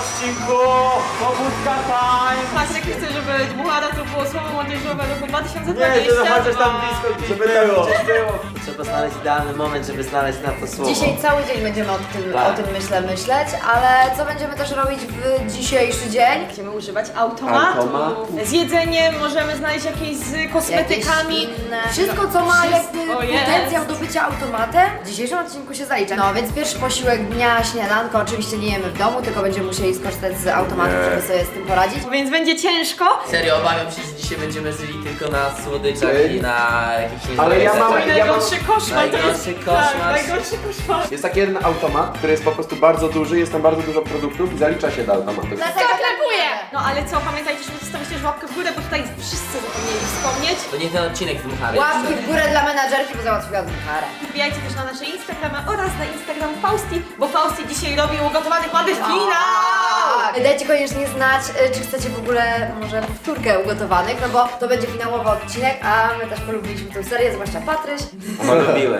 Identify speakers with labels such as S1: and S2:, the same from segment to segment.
S1: odcinku pobudka time.
S2: Patrz, jak chcę, żeby dmuchana to było słowo młodzieżowe roku 2020.
S1: Nie, żeby chociaż tam blisko gdzieś
S3: Żeby tam gdzieś było. Trzeba znaleźć idealny moment, żeby znaleźć na to słowo.
S4: Dzisiaj cały dzień będziemy o tym myśleć, ale co będziemy też robić w dzisiejszy dzień?
S2: Będziemy używać automatu. Z jedzeniem możemy znaleźć jakieś z kosmetykami.
S4: Jakieś inne. Wszystko, co ma jakby
S2: Wszystko jest.
S4: potencjał do bycia automatem, w dzisiejszym odcinku się zalicza. No więc pierwszy posiłek dnia, śniadanko, oczywiście nie jemy w domu, tylko będziemy musieli skorzystać z automatu, żeby sobie z tym poradzić.
S2: Więc będzie ciężko.
S5: Serio, obawiam się, że dzisiaj będziemy żyli tylko na słodyczach i na jakichś
S1: Ale ja mam-
S2: Mój najgorszy koszmar to jest.
S5: Najgorszy koszmar.
S2: Tak, najgorszy koszmar.
S6: Jest taki jeden automat, który jest po prostu bardzo duży, jest tam bardzo dużo produktów i zalicza się do automatu.
S2: Zaklepuję! No ale co, pamiętajcie, żeby zostawić też łapkę w górę, bo tutaj wszyscy zapomnieli wspomnieć.
S5: To niech ten odcinek dmuchary.
S4: Łapki w górę dla menadżerki, bo załatwiła dmucharę.
S2: Wbijajcie też na nasze Instagramy oraz na Instagram Fausti, bo Fausti dzisiaj robi ugotowanych ładnych finał!
S4: Tak. Dajcie koniecznie znać, czy chcecie w ogóle może powtórkę ugotowanych, no bo to będzie finałowy odcinek, a my też polubiliśmy tę serię, zwłaszcza Patryś.
S3: Lubiłem.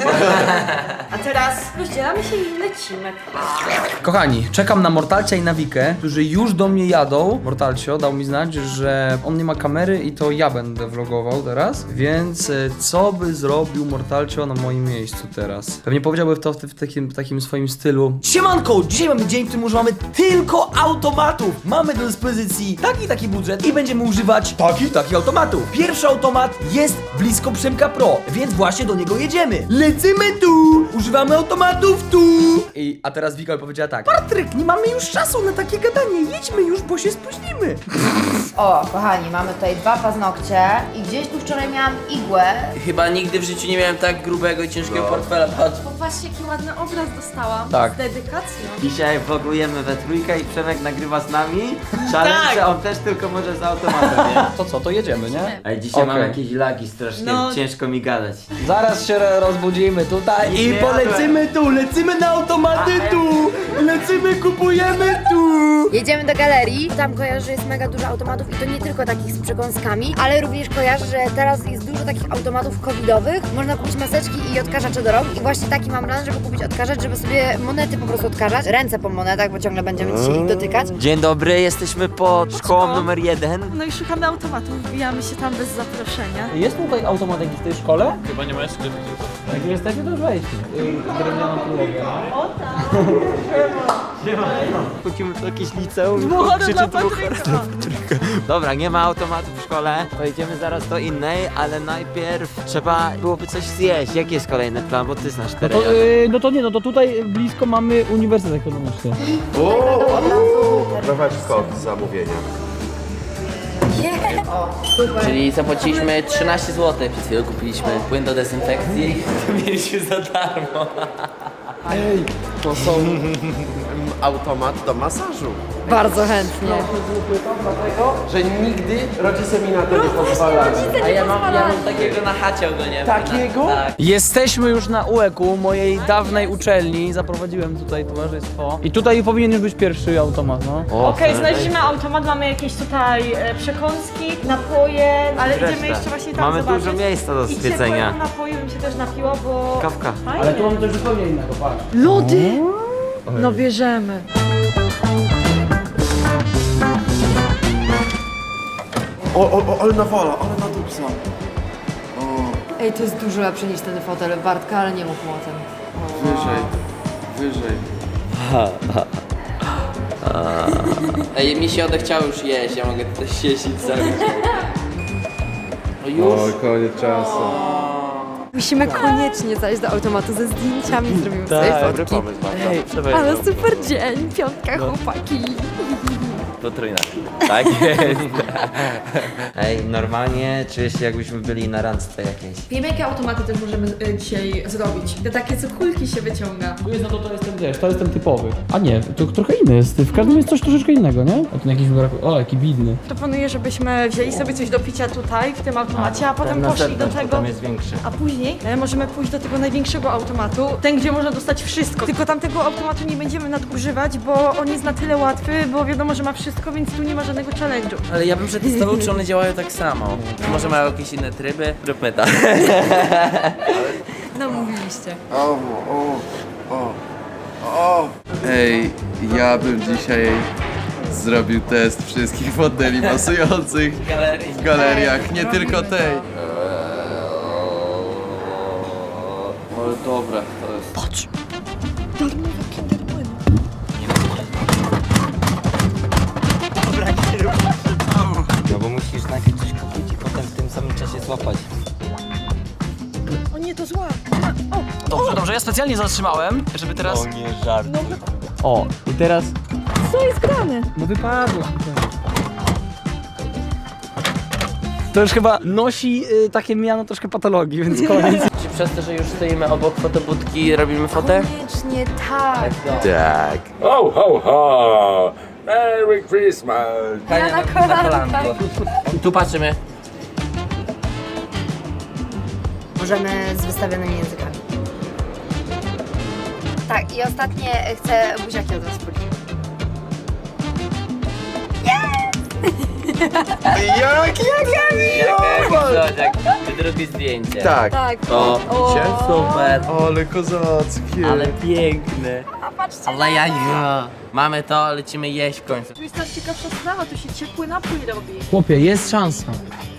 S2: A teraz rozdzielamy się i lecimy.
S7: Kochani, czekam na Mortalcia i na Wikę, którzy już do mnie jadą. Mortalcio dał mi znać, że on nie ma kamery i to ja będę vlogował teraz. Więc co by zrobił Mortalcio na moim miejscu teraz? Pewnie powiedziałby to w takim swoim stylu. Siemanko! Dzisiaj mamy dzień, w którym używamy tylko automatów. Mamy do dyspozycji taki budżet i będziemy używać takich automatów. Pierwszy automat jest blisko Przemka Pro, więc właśnie do niego jedziemy. Lecimy tu! Używamy automatów tu! A teraz Wika powiedziała tak: Patryk, nie mamy już czasu na takie gadanie, jedźmy już, bo się spóźnimy.
S4: O, kochani, mamy tutaj 2 paznokcie i gdzieś tu wczoraj miałam igłę.
S5: Chyba nigdy w życiu nie miałem tak grubego i ciężkiego portfela. Patrz.
S2: Popatrzcie, jaki ładny obraz dostałam.
S7: Tak.
S2: Z dedykacją.
S3: Dzisiaj vlogujemy we trójkę i Przemek nagrywa z nami. Challenge,
S2: Tak.
S3: że on też tylko może z automatem, nie?
S7: To co, to jedziemy, nie?
S3: Ej, dzisiaj mam
S7: Okej.
S3: jakieś lagi strasznie,
S2: No.
S3: ciężko mi gadać.
S7: Zaraz się rozbudzimy tutaj i
S3: Nie
S7: polecimy tu, lecimy na automaty tu, lecimy, kupujemy tu.
S4: Jedziemy do galerii. Tam kojarzę, że jest mega dużo automatów i to nie tylko takich z przekąskami, ale również kojarzę, że teraz jest dużo takich automatów covidowych. Można kupić maseczki i odkażacze do rąk i właśnie taki mam plan, żeby kupić odkażacz, żeby sobie monety po prostu odkażać. Ręce po monetach, bo ciągle będziemy dzisiaj ich dotykać.
S3: Dzień dobry, jesteśmy pod szkołą numer 1.
S2: No i szukamy automatu, wbijamy się tam bez zaproszenia.
S7: Jest tutaj automat jakiś w tej szkole? Chyba nie ma jeszcze. Jak jesteśmy, to wejdźmy. Drewnianą podłogę.
S3: Chodzimy do jakieś liceum.
S2: Dmuchane dla Patryka.
S3: Dobra, nie ma automatu w szkole. Pojedziemy zaraz do innej, ale najpierw trzeba byłoby coś zjeść. Jaki jest kolejny plan, bo ty znasz te rejony.
S7: No to tutaj blisko mamy Uniwersytet Ekonomiczny.
S6: Prowadź kod zamówienia.
S4: O, super.
S5: Czyli zapłaciliśmy 13 zł. Przed chwilą kupiliśmy płyn do dezynfekcji. To mieliśmy za darmo.
S6: Ej, to są automat do masażu.
S4: Bardzo chętnie.
S6: Że nigdy rodzice mi na to nie pozwalali.
S5: A ja mam takiego na chacie ogólnie.
S6: Takiego?
S5: Tak.
S7: Jesteśmy już na UEK-u, mojej dawnej uczelni. Zaprowadziłem tutaj towarzystwo. I tutaj powinien już być pierwszy automat, no.
S2: Okej, znaleźliśmy automat, mamy jakieś tutaj przekąski, napoje, ale
S3: Resztę.
S2: idziemy jeszcze właśnie tam
S3: Mamy
S2: zobaczyć.
S3: dużo miejsca do
S2: I
S3: zwiedzenia.
S2: ciepłego napoju bym się też napiła, bo...
S3: Kawka.
S2: Fajnie.
S7: Ale tu mamy coś zupełnie innego, patrz.
S2: Lody! No bierzemy.
S6: Ale nawala, ale na dupsa.
S4: Ej, to jest dużo lepsze niż ten fotel Bartka, ale nie mów mu o tym.
S6: Wyżej.
S5: Ej, mi się odechciało już jeść, ja mogę tutaj siedzieć cały czas. O już?
S6: koniec czasu.
S8: Musimy koniecznie zajść do automatu ze zdjęciami, zrobimy sobie
S3: Dobry
S8: fotki.
S3: pomysł, bardzo.
S8: Ale super dzień, piątka chłopaki.
S3: Potrójna. Tak jest. Ej, normalnie czuję się jakbyśmy byli na randce jakiejś.
S2: Wiemy, jakie automaty też możemy dzisiaj zrobić. Te takie, co kulki się wyciąga.
S7: Tu jest, no to jest ten, wiesz, to jest ten typowy. A nie, to trochę inny jest. W każdym jest coś troszeczkę innego, nie? A ten jakiś o, jaki bidny.
S2: Proponuję, żebyśmy wzięli sobie coś do picia tutaj, w tym automacie, a potem poszli do tego...
S3: Tam jest większy.
S2: A później możemy pójść do tego największego automatu, ten, gdzie można dostać wszystko. Tylko tamtego automatu nie będziemy nadużywać, bo on jest na tyle łatwy, bo wiadomo, że ma wszystko, więc tu nie ma żadnego challenge'u.
S5: Ale ja bym przetestował, czy one działają tak samo. Czy może mają jakieś inne tryby? Róbmy tak.
S8: No mówiliście.
S6: O.
S9: Ej, ja bym dzisiaj zrobił test wszystkich modeli masujących w galeriach, nie tylko tej.
S5: Ale dobre to jest.
S2: Patrz.
S3: No bo musisz najpierw coś kupić i potem w tym samym czasie złapać.
S2: O nie, to zła.
S7: Dobrze, ja specjalnie zatrzymałem, żeby teraz...
S3: nie żart. O, i teraz...
S2: Co jest grane?
S7: No wypadło. To już chyba nosi takie miano troszkę patologii, więc koniec.
S5: Czy przez to, że już stoimy obok fotobudki, robimy fotę?
S8: Koniecznie tak.
S6: Tak.
S10: Ho, ho, ho! Merry Christmas!
S5: Kania
S8: na
S5: na
S8: kolanko.
S5: kolanko. Tu patrzymy.
S4: Możemy z wystawionymi językami. Tak, i ostatnie chcę buziaki od was policzyć.
S5: Jak drugie zdjęcie.
S6: Tak.
S8: Tak.
S5: O, super.
S6: Ale kozackie.
S5: Ale piękne. Ale ja. Mamy to, lecimy jeść w końcu.
S2: Tu jest ta ciekawsza sprawa, tu się ciepły napój robi.
S7: Chłopie, jest szansa.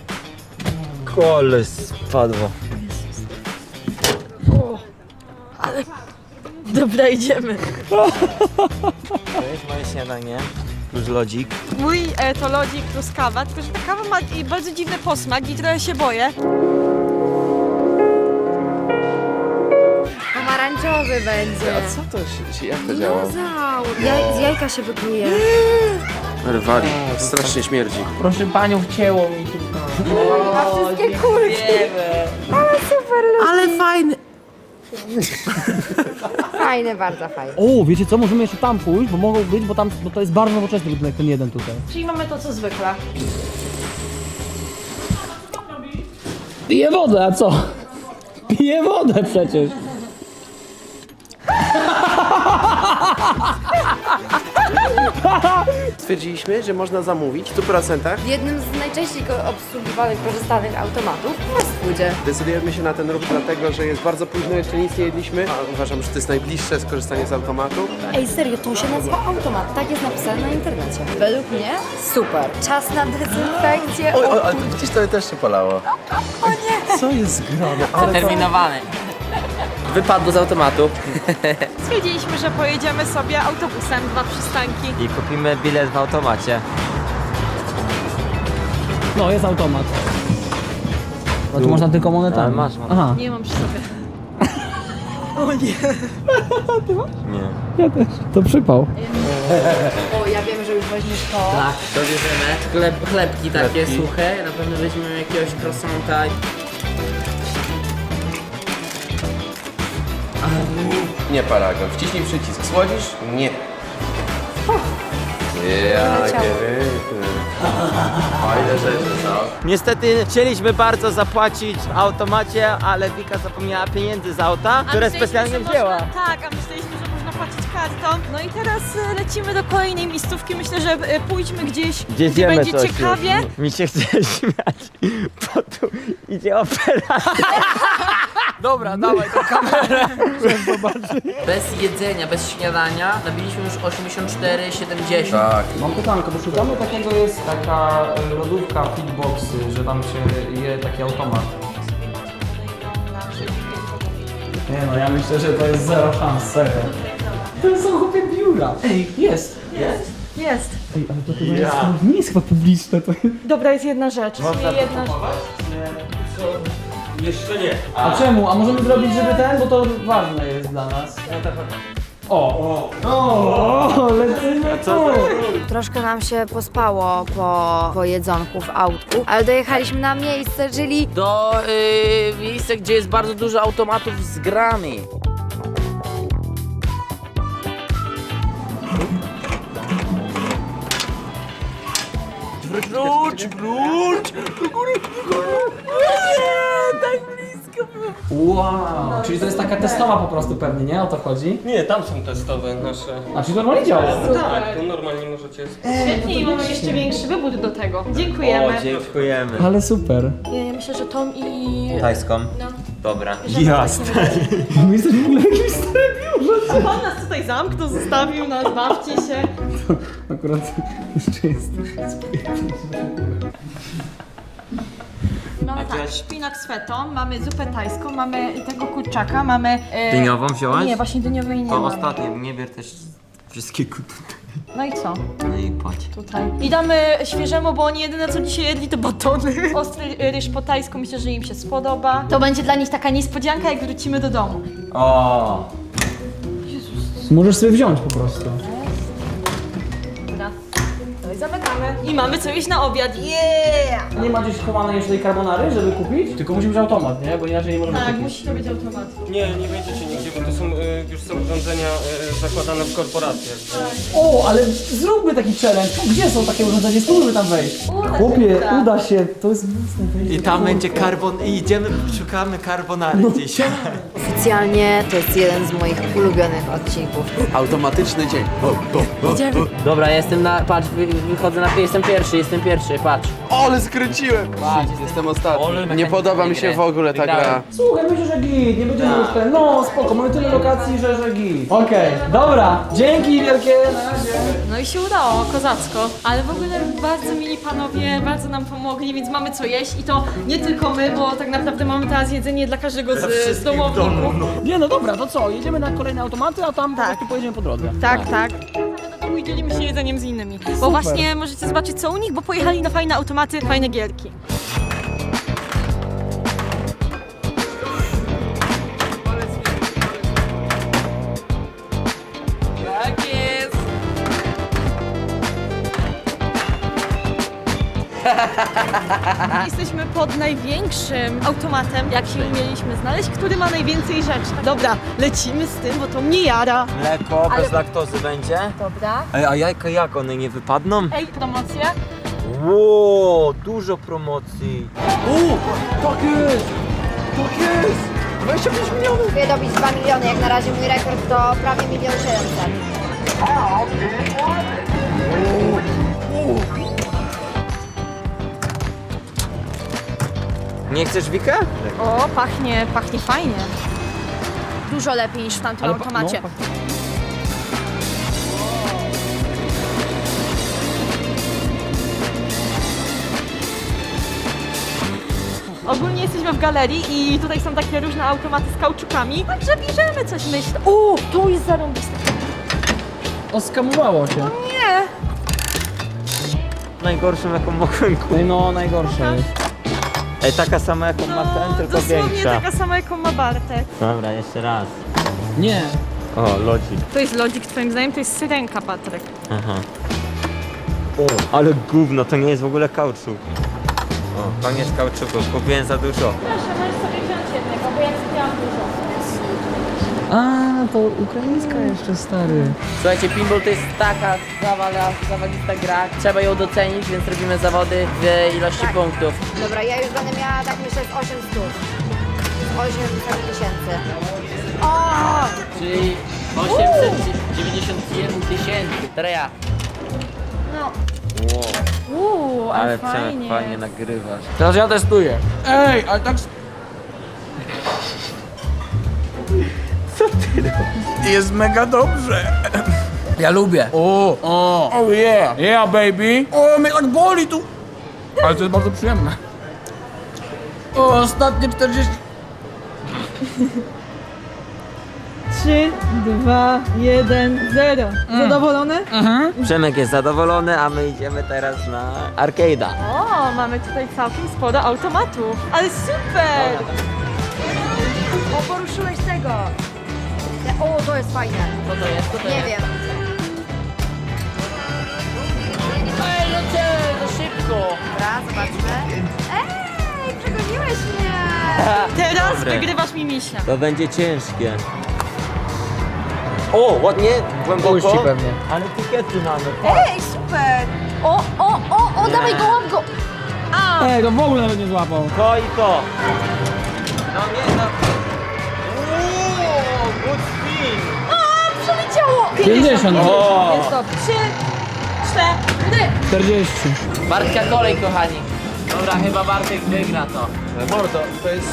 S3: Kole spadło.
S2: Dobra, idziemy.
S3: To jest moje śniadanie. Plus lodzik.
S2: Mój to lodzik plus kawa, tylko że ta kawa ma bardzo dziwny posmak i trochę się boję.
S8: Pomarańczowy będzie.
S6: A co to się, jak to działa?
S8: Z jajka się wypluje.
S6: Rwali. Strasznie śmierdzi.
S5: Proszę panią, wcięło mi tu.
S8: Wszystkie kulki.
S5: Ale fajny.
S8: Fajne, bardzo fajne.
S7: O, wiecie co, możemy jeszcze tam pójść, bo mogą być, bo tam no to jest bardzo nowoczesny budynek, ten jeden tutaj.
S2: Czyli mamy to co zwykle.
S7: Piję wodę, a co? Piję wodę przecież.
S6: Stwierdziliśmy, że można zamówić w 100%.
S8: W jednym z najczęściej obsługiwanych, korzystanych automatów w fast foodzie.
S6: Decydujemy się na ten ruch dlatego, że jest bardzo późno, jeszcze nic nie jedliśmy. A uważam, że to jest najbliższe skorzystanie z automatu.
S8: Ej, serio, to się nazywa automat. Tak jest napisane na internecie. Według mnie super. Czas na dezynfekcję.
S6: Ale to widzisz, to też się palało. O nie! Co jest grane?
S5: Terminowany. Wypadło z automatu.
S2: Stwierdziliśmy, że pojedziemy sobie autobusem 2 przystanki.
S3: I kupimy bilet w automacie.
S7: No, jest automat. A tu można tylko monetami.
S3: Ale masz.
S7: Aha.
S2: Nie mam przy sobie. O nie.
S3: Nie.
S7: To przypał.
S8: O, ja wiem, że już weźmiesz to.
S5: Tak, to bierzemy. Chlebki takie suche. Na pewno weźmiemy jakiegoś croissanta.
S6: Nie paragon. Wciśnij przycisk. Słodzisz? Nie. Jakie fajne rzeczy są.
S3: Niestety chcieliśmy bardzo zapłacić w automacie, ale Wika zapomniała pieniędzy z auta, które
S2: myśleliśmy,
S3: specjalnie
S2: że
S3: wzięła.
S2: Można, tak, a myśleliśmy, że można płacić kartą. No i teraz lecimy do kolejnej miejscówki. Myślę, że pójdźmy gdzieś, gdzie
S3: zjemy
S2: będzie
S3: coś
S2: ciekawie.
S3: już. Mi się chce śmiać, bo tu idzie operacja.
S7: Dobra, dawaj tą kamerę.
S5: Bez jedzenia, bez śniadania nabiliśmy już 84,70.
S6: Tak.
S7: Mam pytanko, bo szukamy takiego, jest taka lodówka Fitboxy, że tam się je taki automat. Nie no, ja myślę, że to jest zero szans, serio. To są chłopie biura. Ej, jest.
S2: Jest.
S7: Ej, ale to chyba jest, nie jest chyba publiczne, to jest...
S2: Dobra, jest jedna rzecz. Jedna rzecz.
S7: A czemu? A możemy zrobić, żeby ten, bo to ważne jest dla nas. O, lecimy tu.
S4: Troszkę nam się pospało po jedzonku w autku, ale dojechaliśmy na miejsce, czyli
S5: Do miejsca, gdzie jest bardzo dużo automatów z grami. Wróć! Do góry! Tak blisko było!
S7: Wow, czyli to jest taka testowa po prostu pewnie, nie? O to chodzi?
S11: Nie, tam są testowe nasze.
S7: A czyli normalnie działa?
S11: Tak, tu normalnie możecie...
S2: Świetnie i mamy jeszcze większy wybór do tego. Dziękujemy.
S3: O, dziękujemy.
S7: Ale super.
S2: Ja myślę, że Tom i...
S3: Tajską?
S2: No.
S3: Dobra.
S2: Jasne.
S7: My jesteśmy w ogóle w jakimś starym biurze.
S2: A pan nas tutaj zamknął, zostawił nas, bawcie się.
S7: Akurat jeszcze jest.
S2: Mamy tak, szpinak z fetą, mamy zupę tajską, mamy tego kurczaka, mamy...
S3: Dyniową wziąłaś?
S2: Nie, właśnie dyniowej nie
S3: To
S2: mamy.
S3: ostatnie, nie bier też wszystkiego tutaj.
S2: No i co?
S3: No i chodź.
S2: Tutaj. I damy świeżemu, bo oni jedyne co dzisiaj jedli to batony. Ostry ryż po tajsku, myślę, że im się spodoba. To będzie dla nich taka niespodzianka, jak wrócimy do domu.
S3: O.
S7: Możesz sobie wziąć po prostu.
S2: Dobra. No i zamykamy. I mamy co jeść na obiad. Yeah!
S7: Nie ma gdzieś chowanej jeszcze tej carbonary, żeby kupić? Tylko musimy mieć automat, nie? Bo inaczej nie możemy
S2: Tak,
S7: kupić.
S2: musi to być automat.
S11: Nie, nie będziecie nigdzie, bo to są już są urządzenia zakładane w korporacjach.
S7: O, ale zróbmy taki challenge. Gdzie są takie urządzenia? Spróbujmy tam wejść.
S2: Chłopie,
S7: Uda się. To jest mocne.
S3: I tam będzie karbon... I idziemy, szukamy carbonary gdzieś.
S4: Oficjalnie to jest jeden z moich ulubionych odcinków.
S6: Automatyczny dzień.
S5: Dobra, jestem na... Patrz, wychodzę na... Jestem pierwszy, patrz.
S6: Ale skręciłem! Jestem ostatni. Nie podoba mi się w ogóle ta gra.
S7: Słuchaj, myślę, że git. Nie będziemy już ten... No, spoko. Mamy tyle lokacji, że git. Okej, dobra. Dzięki wielkie. Na razie.
S2: No i się udało, kozacko. Ale w ogóle bardzo mili panowie, bardzo nam pomogli, więc mamy co jeść i to nie tylko my, bo tak naprawdę mamy teraz jedzenie dla każdego z domowników.
S7: Nie, no dobra, to co? Jedziemy na kolejne automaty, a tam po prostu pojedziemy po drodze.
S2: Tak, tak. I dzielimy się jedzeniem z innymi. Bo właśnie możecie zobaczyć co u nich, bo pojechali na fajne automaty, fajne gierki.
S5: Tak jest!
S2: Jesteśmy pod największym automatem, jak się umieliśmy znaleźć, który ma najwięcej rzeczy. Dobra, lecimy z tym, bo to mnie jara.
S3: Mleko bez laktozy będzie?
S2: Dobra.
S3: Ej, a jajka jak? One nie wypadną?
S2: Ej, promocja.
S3: Ło, dużo promocji.
S6: Tak jest! Tak jest! 25 milionów!
S4: Chcę dobić 2 miliony, jak na razie mój rekord to prawie 1 700 000.
S3: Nie chcesz Wika?
S2: O, pachnie fajnie. Dużo lepiej niż w tamtym automacie. Ogólnie jesteśmy w galerii i tutaj są takie różne automaty z kauczukami, także bierzemy coś, myślę. O, to jest zarąbiste.
S7: Oskamowało się.
S2: Nie!
S3: Najgorszą jaką mogłem kupić.
S7: No, najgorsze jest.
S3: Ej, taka sama jaką ma ten, tylko
S2: dosłownie
S3: większa.
S2: taka sama, jaką ma Bartek.
S3: Dobra, jeszcze raz.
S7: Nie.
S3: O, lodzik.
S2: To jest lodzik, twoim zdaniem to jest syrenka, Patryk.
S3: Aha. O, ale gówno, to nie jest w ogóle kauczuk. O, koniec kauczuku, kupiłem za dużo.
S2: Proszę, możesz sobie wziąć jednego, bo ja kupiłam dużo.
S7: A, to ukraińska jeszcze, stary.
S5: Słuchajcie, pinball to jest taka zawalista gra. Trzeba ją docenić, więc robimy zawody w ilości punktów.
S4: Dobra, ja już będę miała, tak myślę, z 800. 8 tysięcy. O!
S5: Czyli 891 tysięcy. Teraz ja.
S4: No.
S2: Ale
S3: fajnie nagrywasz.
S7: Teraz ja testuję. Ej, ale tak... Jest mega dobrze. Ja lubię. Oh yeah. Yeah, baby. O, mnie tak boli tu. Ale to jest bardzo przyjemne. O, ostatnie 40...
S2: 3, 2, 1, 0. Zadowolony?
S3: Przemek jest zadowolony, a my idziemy teraz na arcade'a.
S2: O, mamy tutaj całkiem sporo automatów. Ale super!
S4: O, poruszyłeś tego. O, to jest fajne.
S5: Co to jest? Co to
S4: Nie
S5: jest?
S4: wiem.
S5: Ej, no co? Za szybko.
S4: Dobra, zobaczmy. Ej, przegoniłeś mnie.
S2: Teraz
S3: Dobre.
S2: wygrywasz mi misia.
S3: To będzie ciężkie. O, ładnie, głęboko.
S7: Puści pewnie.
S3: Ale etykiety mamy.
S2: Ej, super! O, dawaj go, łap go! A!
S7: Ej, to w ogóle nawet nie złapał.
S3: To i to. No nie, no.
S7: 50.
S3: O!
S2: Jest dobrze. 3, 4.
S7: 40.
S5: Bartka kolej, kochani. Dobra, chyba Bartek wygra to.
S6: Mordo, to jest...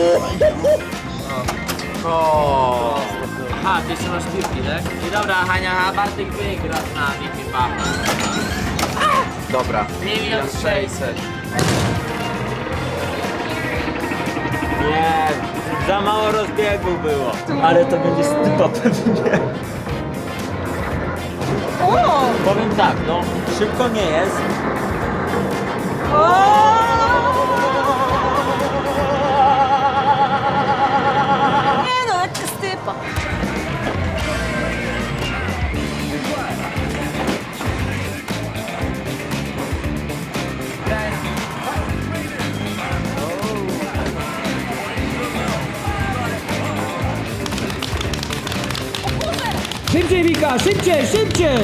S5: O. Aha, ty jeszcze masz piłki, tak? I dobra, Hania, a Bartek wygra z nami chyba.
S6: Dobra.
S5: 1 600 000.
S3: Nie, za mało rozbiegu było. Ale to będzie stypa pewnie.
S2: O!
S3: Powiem tak, no szybko nie jest.
S2: Nie no, lekka stypa.
S7: Szybciej, Wika, szybciej, szybciej!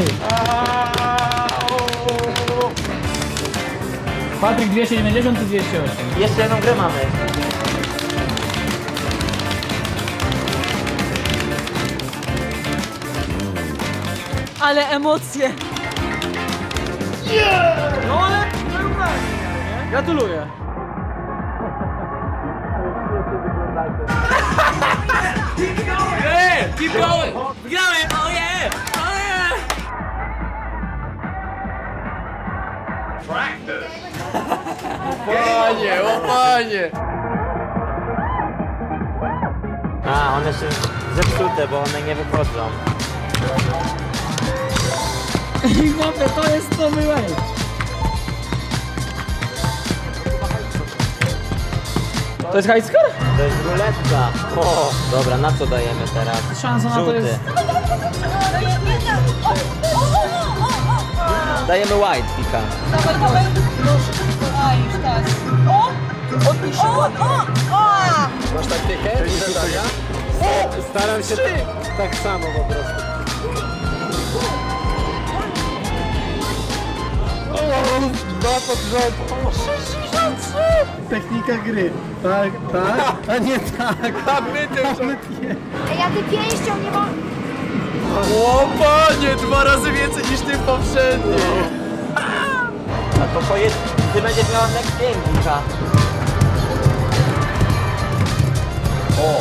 S7: Patryk 290 czy 208?
S3: Jeszcze jedną grę mamy.
S2: Ale emocje.
S7: No ale gratuluję.
S5: Keep going! Wygrałem! Oh yeah! Oh yeah!
S9: Panie, o panie!
S3: A, one są zepsute, bo one nie wychodzą.
S7: Dobra, to jest nowy way. To jest high score?
S3: To jest ruletka. O, dobra, na co dajemy teraz?
S7: Szansa na to
S3: Żółty.
S7: jest...
S3: Dajemy white, Pika.
S2: Dawaj, dawaj. A, już tak. O! Odbij się.
S6: Masz taktykę? Zadania? Staram się tak samo po prostu. Dwa pod rząd. Technika gry. Tak, tak, a nie tak. A my
S4: Ej, ja ty pięścią nie mam...
S9: O panie, 2 razy więcej niż ty poprzedni.
S3: A to pojedź, ty będziesz miała next game, Pika. O!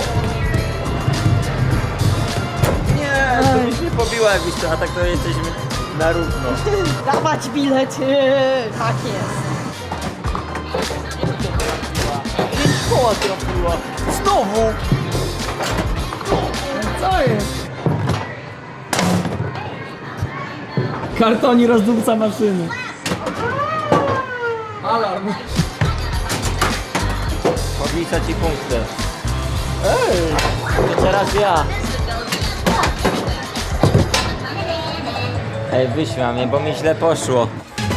S3: Nie, to byś nie pobiła jakbyś to, a tak to jesteśmy na równo.
S2: Dawać bilety. Tak jest.
S3: 5 koła trafiła. Znowu!
S7: Co jest? Kartoni rozdupca maszyny. Alarm.
S3: Podlicza ci punkty. Ej! To teraz ja. Ej, wyśmiał mnie, bo mi źle poszło.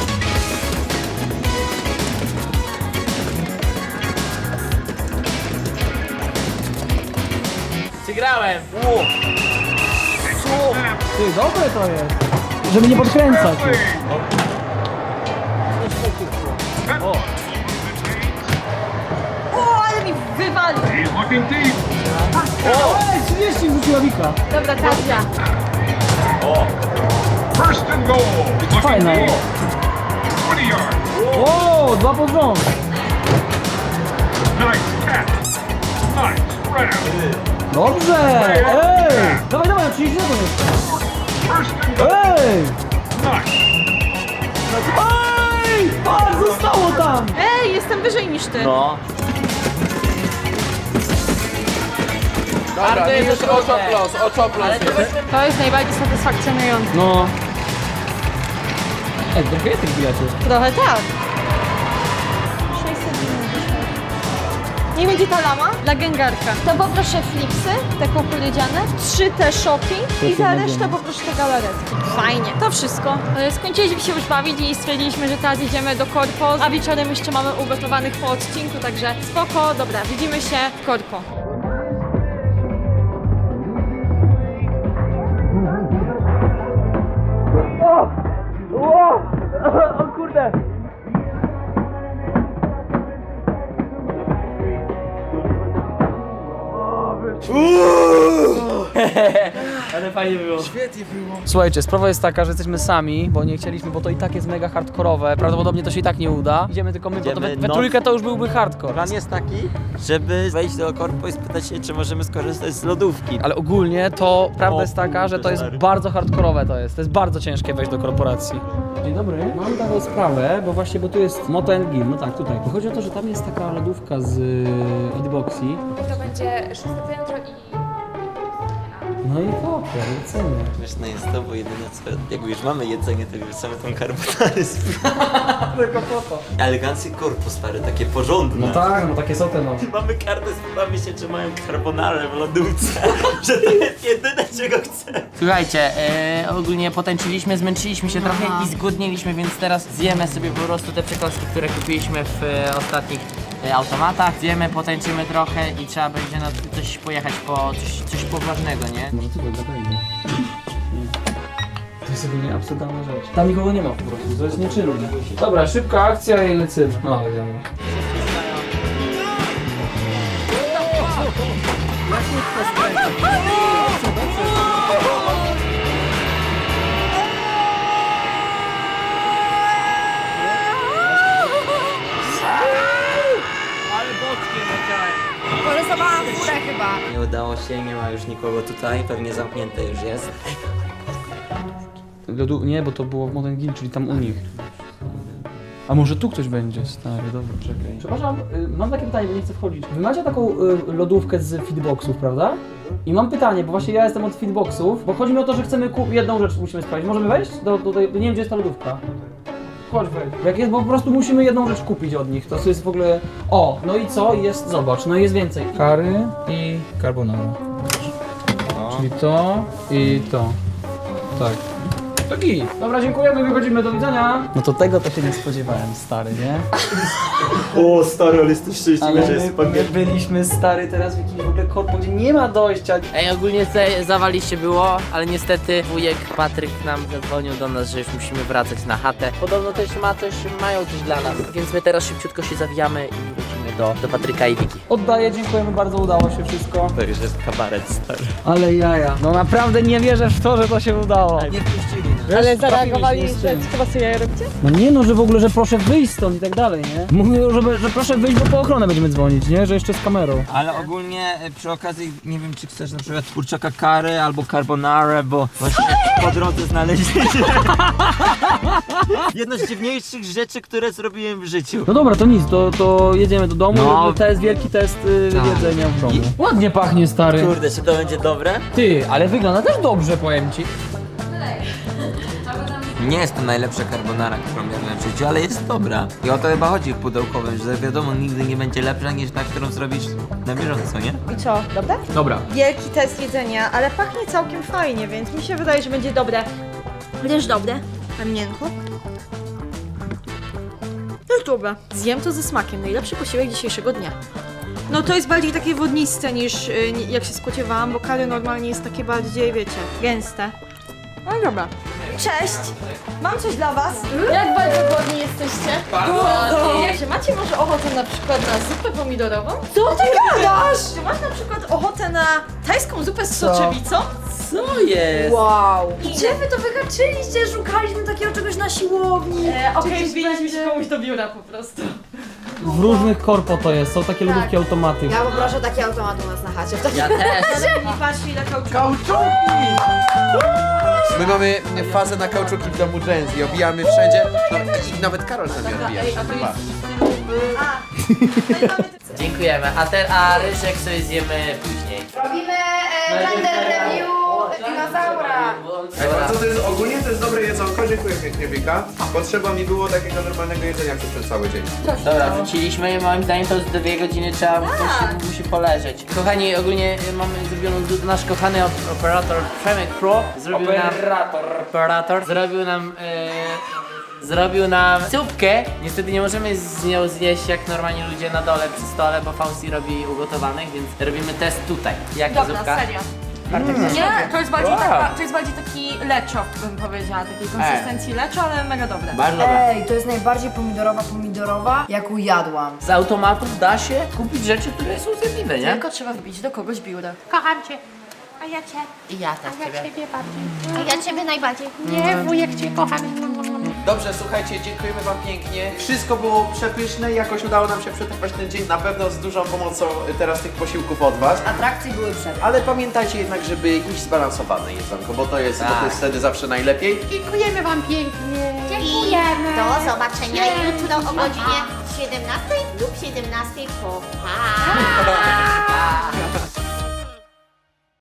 S5: Wygrałem!
S7: Ty, dobre to jest. Żeby nie podkręcać.
S2: O, ale mi wywalił.
S7: Ej, 30 rzuciła Wika.
S2: Dobra, teraz ja.
S10: First and goal.
S7: Fajna.
S10: 20 yards.
S7: O, 2 pod rząd.
S10: Nice catch. Nice spread out.
S7: Dobrze. Ej. Dawaj, dawaj, 30 sekund jeszcze.
S10: First and goal.
S7: Ej.
S10: Nice.
S7: Ej, patrz, zostało tam.
S2: Ej, jestem wyżej niż ty.
S3: No.
S9: Dobra, już oczoplos, oczoplos.
S2: To jest najbardziej satysfakcjonujące.
S7: No. Ej, trochę jest tych biletów.
S2: Trochę tak. 690. Niech będzie ta lama dla gęgarka. To poproszę flipsy, te kukurydziane, 3 te szoki i za resztę poproszę te galaretki. Fajnie. To wszystko. Skończyliśmy się już bawić i stwierdziliśmy, że teraz idziemy do Korpo, a wieczorem jeszcze mamy ugotowanych po odcinku, także spoko. Dobra, widzimy się w Korpo.
S3: O kurde!
S11: Ale fajnie było.
S6: Świetnie było.
S7: Słuchajcie, sprawa jest taka, że jesteśmy sami, bo nie chcieliśmy, bo to i tak jest mega hardkorowe. Prawdopodobnie to się i tak nie uda. Idziemy tylko my, bo to we trójkę to już byłby hardcore.
S3: Plan jest taki, żeby wejść do korpo i spytać się, czy możemy skorzystać z lodówki.
S7: Ale ogólnie to prawda jest taka, że to jest bardzo hardkorowe to jest. To jest bardzo ciężkie wejść do korporacji. Dzień dobry. Mam taką sprawę, bo właśnie, bo tu jest Moto & Gil, no tak, tutaj. Chodzi o to, że tam jest taka lodówka z Feedboxy.
S8: To będzie 6 piętro i...
S7: No i poker, lecimy.
S3: Śmieszne jest to, bo jedyne co, jak już mamy jedzenie, to już chcemy tą carbonarę
S7: Tylko po to.
S3: Eleganckie korpo, stary, takie porządne.
S7: No tak, no takie są te no.
S3: Mamy kartę, spytamy się, czy mają carbonarę w lodówce, że to jest jedyne, czego chcę.
S5: Słuchajcie, ogólnie potańczyliśmy, zmęczyliśmy się trochę i zgłodniliśmy, więc teraz zjemy sobie po prostu te przekąski, które kupiliśmy w ostatnich automatach. Zjemy, potańczymy trochę i trzeba będzie na coś pojechać po coś poważnego, nie?
S7: Może ty go To jest ogólnie absurdalna rzecz. Tam nikogo nie ma po prostu, to jest nieczynne. Dobra, szybka akcja i lecimy. No, wiadomo.
S4: Porysowałam furę chyba.
S3: Nie udało się, nie ma już nikogo tutaj, pewnie zamknięte już jest.
S7: Nie, bo to było w Moto & Gil, czyli tam u nich. A może tu ktoś będzie, stary, dobra, czekaj. Przepraszam, mam takie pytanie, bo nie chcę wchodzić. Wy macie taką lodówkę z feedboxów, prawda? I mam pytanie, bo właśnie ja jestem od feedboxów, bo chodzi mi o to, że chcemy jedną rzecz musimy sprawdzić. Możemy wejść? Nie wiem, gdzie jest ta lodówka. Chodź wejdź. Jak jest, bo po prostu musimy jedną rzecz kupić od nich. To jest w ogóle... O, no i co? Jest, zobacz, no jest więcej. Kary i carbonara. Czyli to i to. Tak. Taki. Dobra, dziękujemy, wychodzimy, do widzenia. No to tego to się nie spodziewałem, stary, nie?
S3: O, stary, ale jesteś szczęśliwy,
S7: Ale
S3: że jest
S7: my byliśmy, stary, teraz w jakimś w ogóle korpo, gdzie nie ma dojścia.
S5: Ej, ogólnie zawaliście było, ale niestety wujek Patryk nam zadzwonił do nas, że już musimy wracać na chatę. Podobno też mają coś dla nas, więc my teraz szybciutko się zawijamy i wrócimy do Patryka i Wiki.
S7: Oddaję, dziękujemy bardzo, udało się wszystko.
S3: To już jest kabaret, stary.
S7: Ale jaja. No naprawdę nie wierzę w to, że to się udało.
S3: Nie wpuścili nas.
S2: Ale zareagowali, że chyba sobie jaja robicie?
S7: No nie no, że w ogóle, że proszę wyjść stąd i tak dalej, nie? Mówią, że proszę wyjść, bo po ochronę będziemy dzwonić, nie? Że jeszcze z kamerą.
S3: Ale ogólnie przy okazji, nie wiem, czy chcesz na przykład kurczaka curry albo carbonara, bo właśnie po drodze znaleźliśmy jedno z dziwniejszych rzeczy, które zrobiłem w życiu.
S7: No dobra, to nic, to jedziemy do domu,
S3: No.
S7: to jest wielki test jedzenia w domu. Ładnie pachnie, stary.
S3: Kurde, czy to będzie dobre?
S7: Ty, ale wygląda też dobrze, powiem ci.
S3: Nie jest to najlepsza carbonara, którą jadłem w życiu, ale jest dobra. I o to chyba chodzi w pudełkowym, że wiadomo, nigdy nie będzie lepsza niż ta, którą zrobisz na bieżąco, nie?
S2: I co, dobre?
S7: Dobra.
S2: Wielki test jedzenia, ale pachnie całkiem fajnie, więc mi się wydaje, że będzie dobre. Też dobre. Mam miękko. Też dobre. Zjem to ze smakiem. Najlepszy posiłek dzisiejszego dnia. No to jest bardziej takie wodniste niż jak się spodziewałam, bo curry normalnie jest takie bardziej, wiecie, gęste. No dobra. Cześć! Mam coś dla was. Jak bardzo głodni jesteście? Bardzo! Czy macie może ochotę na przykład na zupę pomidorową? Co ty gadasz? Czy masz na przykład ochotę na tajską zupę z soczewicą?
S5: Co jest?
S4: Wow. Gdzie wy to wyhaczyliście? Szukaliśmy takiego czegoś na siłowni.
S2: Okej, wbiliśmy się komuś do biura po prostu.
S7: W różnych korpo to jest, są takie lodówki automaty.
S4: Ja poproszę taki automat u nas na chacie.
S5: Ja też.
S2: I patrzcie ile kauczuku.
S6: Kauczuki! My mamy fazę na kauczuki w domu Jenzy, obijamy wszędzie. I nawet Karol z nami odbija. Chyba.
S5: Dziękujemy. A ryżek sobie zjemy później.
S4: Robimy gender review dinozaura.
S6: Co to jest, ogólnie to jest dobre jedzonko, dziękuję pięknie Wika. Potrzeba mi było takiego normalnego jedzenia przez ten cały dzień.
S5: Dobra, wróciliśmy i moim zdaniem to z 2 godziny trzeba musi poleżeć. Kochani, ogólnie mamy zrobioną, nasz kochany operator Przemek Pro zrobił nam zupkę. Niestety nie możemy z nią zjeść jak normalnie ludzie na dole przy stole, bo Fausti robi ugotowanych, więc robimy test tutaj. Jaka zupka?
S2: serio. Nie, to jest bardziej to jest bardziej taki leczo, bym powiedziała, takiej konsystencji leczo, ale mega dobre.
S5: Bardzo dobra.
S4: Ej, to jest najbardziej pomidorowa, jaką jadłam.
S5: Z automatów da się kupić rzeczy, które są zjadliwe, nie?
S2: Tylko trzeba wbić do kogoś biurę. Kocham cię.
S12: A ja cię.
S5: I ja też
S12: A ja
S5: ciebie.
S12: ciebie bardziej. A ja ciebie najbardziej. Nie, wujek cię kocham.
S6: Dobrze, słuchajcie, dziękujemy wam pięknie. Wszystko było przepyszne i jakoś udało nam się przetrwać ten dzień. Na pewno z dużą pomocą teraz tych posiłków od was.
S4: Atrakcje były przed.
S6: Ale pamiętajcie jednak, żeby iść zbalansowane jedzonko, bo to jest wtedy zawsze najlepiej.
S12: Dziękujemy wam pięknie.
S13: Dziękujemy. Do zobaczenia jutro o godzinie 17 lub 17 po. Pa!